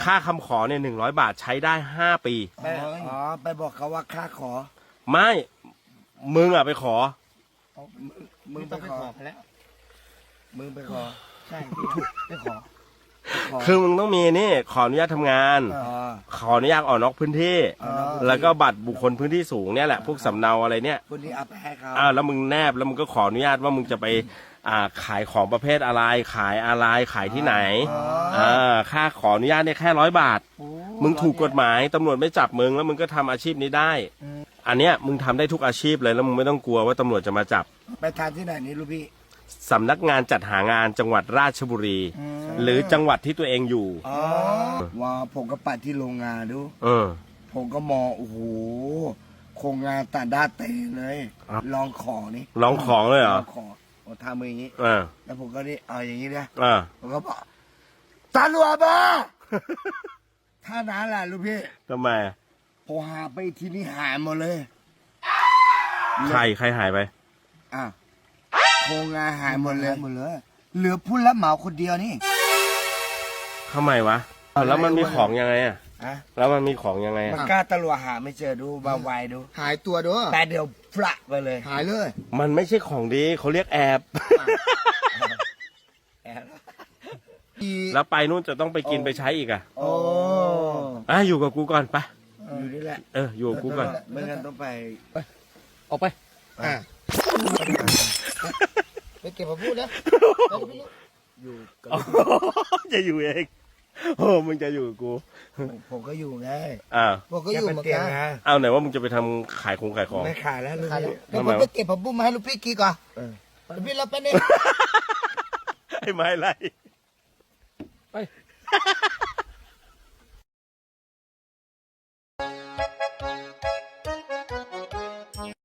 ค่าคำขอเนี่ย100 บาทใช้ได้5 ปีอ๋อไปบอกเขาว่าค่าขอไม่มึงอ่ะไปขอมึงไปต้องไปขอขอเขาแล้วมึงไปขอใช่พี่ไปขอคือมึงต้องมีนี่ขออนุญาตทำงานอ๋อขออนุญาตออกนอกพื้นที่ แล้วก็บัตรบุคคลพื้นที่สูงเนี่ยแหละพวกสำเนาอะไรเนี่ยคุณนี่เอาไปให้เขาแล้วมึงแนบแล้วมึงก็ขออนุญาตว่ามึงจะไปขายของประเภทอะไรขายอะไรขายที่ไหนค่าขออนุญาตเนี่ยแค่100 บาท มึงถูกกฎหมายตำรวจไม่จับมึงแล้วมึงก็ทำอาชีพนี้ได้ อันเนี้ยมึงทำได้ทุกอาชีพเลยแล้วมึงไม่ต้องกลัวว่าตำรวจจะมาจับไปทานที่ไหนนี่ลูกพี่สำนักงานจัดหางานจังหวัดราชบุรี หรือจังหวัดที่ตัวเองอยู่อ๋อว่าผมก็ไปที่โรงงานดูเออผมก็มองโอ้โหโครงงานต่างด้านเตเลยครับลองของนี่ลองของเลยเหรอลองของผมทำมืออย่างนี้อ่าแล้วผมก็นี่เอาอย่างนี้นะอ่าผมก็บอกตำรวจมา ถ้านั้นแหละลูกพี่ทำไมอะพอหาไปที่นี่หายหมดเลยใครหายไปอ่ะโครงงานหายหมดเลยเหลือผู้รับเหมาคนเดียวนี่ทำไมวะแล้วมันมีของยังไงอ่ะอะแล้วมันมีของยังไงมันอ่ะกล้าตำรวจหาไม่เจอดูบาไวดูหายตัวด้วยแต่เดี๋ยวฟละไปเลยหายเลยมันไม่ใช่ของดีเขาเรียกแอบ แล้วไปนู่นจะต้องไปกินไปใช้อีกอ่ะโอ้อยู่กับกูก่อนไปอยู่นี่แหละอยู่กับกูก่อนไม่งั้นต้องไปออกไปไปเก็บมาพูดนะอยู่กับจะอยู่เองมึงจะอยู่กับกูผมก็อยู่ไงบอกก็อยู่เหมือนเตียกังนนะไหนว่ามึงจะไปทำขายของไม่ขายแล้วลูกขายพี่แล้วผมไปเก็บผักบุ้งมาให้ลูกพี่กินก่อนลูกพี่รับไปเนี่ยไอ้ไม้ไรไป